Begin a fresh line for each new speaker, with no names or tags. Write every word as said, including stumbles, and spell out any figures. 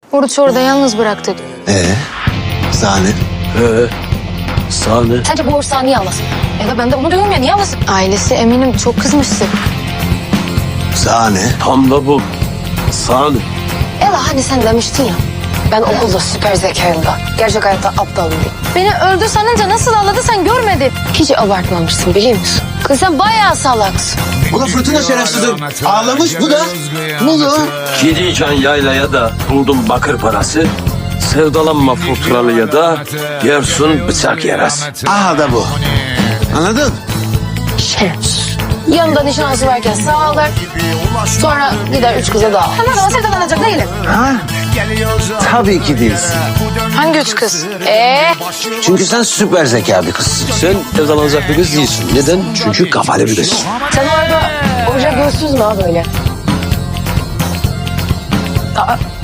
Oruç orada yalnız bıraktık.
Ee, Sahne.
He. Sahne.
Sence bu Oruç niye ağlasın? Ya da ben de onu diyorum ya, niye ağlasın? Ailesi eminim çok kızmıştı.
Sahne.
Tam da bu. Sahne.
Ela hani sen demiştin ya, ben okulda süper zekayım da gerçek hayatta aptalım diye. Beni öldü sanınca nasıl ağladı sen görmedin. Hiç abartmamışsın biliyor musun? Kız sen bayağı salaksın.
Bu da fırtına şerefsizim. Ağlamış bu da. Bu da.
Gideceğin yaylaya da buldum bakır parası. Sevdalanma fırtınalıya da yersun bıçak yaras.
Aha da bu. Anladın?
Şerefsiz. Yanında nişanlısı varken sağlar. Sonra gider üç kıza daha. Hemen bana sevdalanacak değilim.
Ha? Tabii ki değilsin.
Hangi üç kız? Ee?
Çünkü sen süper zeka bir kızsın.
Sen sevdalanacak bir kız değilsin. Neden? Çünkü kafalı bir kız.
Sen orada Oruç'a gözsüz mü ha böyle? Aa,